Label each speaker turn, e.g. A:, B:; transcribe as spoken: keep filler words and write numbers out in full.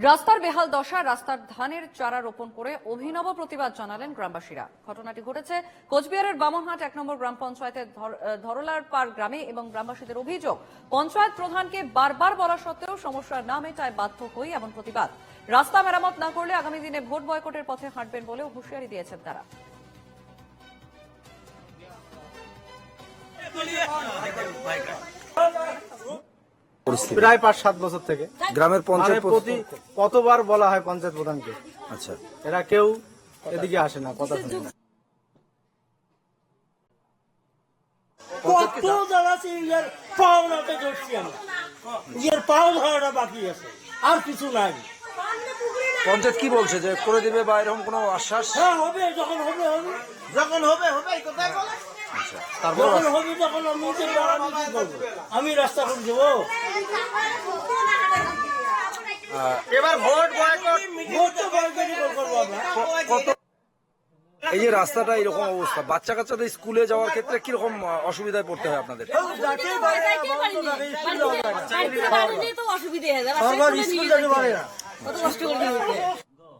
A: রাস্তার বেহাল দশা, রাস্তার ধানের চারা রোপণ করে অভিনব প্রতিবাদ জানালেন গ্রামবাসীরা। ঘটনাটি ঘটেছে কোচবিহারের বামনহাট এক নম্বর গ্রাম পঞ্চায়েতের ধরলার পার গ্রামে এবং গ্রামবাসীদের অভিযোগ, পঞ্চায়েত প্রধানকে বারবার বলা সত্ত্বেও সমস্যা না মেটায় বাধ্য হই এমন প্রতিবাদ। রাস্তা মেরামত না করলে আগামী দিনে ভোট বয়কটের পথে হাঁটবেন বলেও হুঁশিয়ারি দিয়েছেন তারা।
B: প্রায় পাঁচ সাত বছর থেকে
C: গ্রামের পঞ্চায়েত
B: প্রতি কতবার বলা হয় পঞ্চায়েত প্রধানকে,
C: আচ্ছা
B: এরা কেউ এদিকে আসে না, কথা শুনে না।
D: কত জ্বালাছি, ইয়ের পাওনাতে ধরছি আমরা, ইয়ের পাও ধরাটা বাকি আছে, আর কিছু নাই।
C: পঞ্চায়েত কি বলছে যে করে দিবে বা এরকম কোনো আশ্বাস?
D: হ্যাঁ হবে, যখন হবে হবে, যখন হবে হবে, এই কথাই বলে।
C: তারপর
D: যখন হবে তখন আমি যে আমি কি করবো? আমি রাস্তা করে দেবো।
B: এবার ভোট বয়কট,
D: ভোট তো বয়কটই করবো আমরা।
C: কত এই যে রাস্তাটা এরকম অবস্থা, বাচ্চা কাচ্চাদের স্কুলে যাওয়ার ক্ষেত্রে কিরকম অসুবিধায় পড়তে হয় আপনাদের?
E: অসুবিধা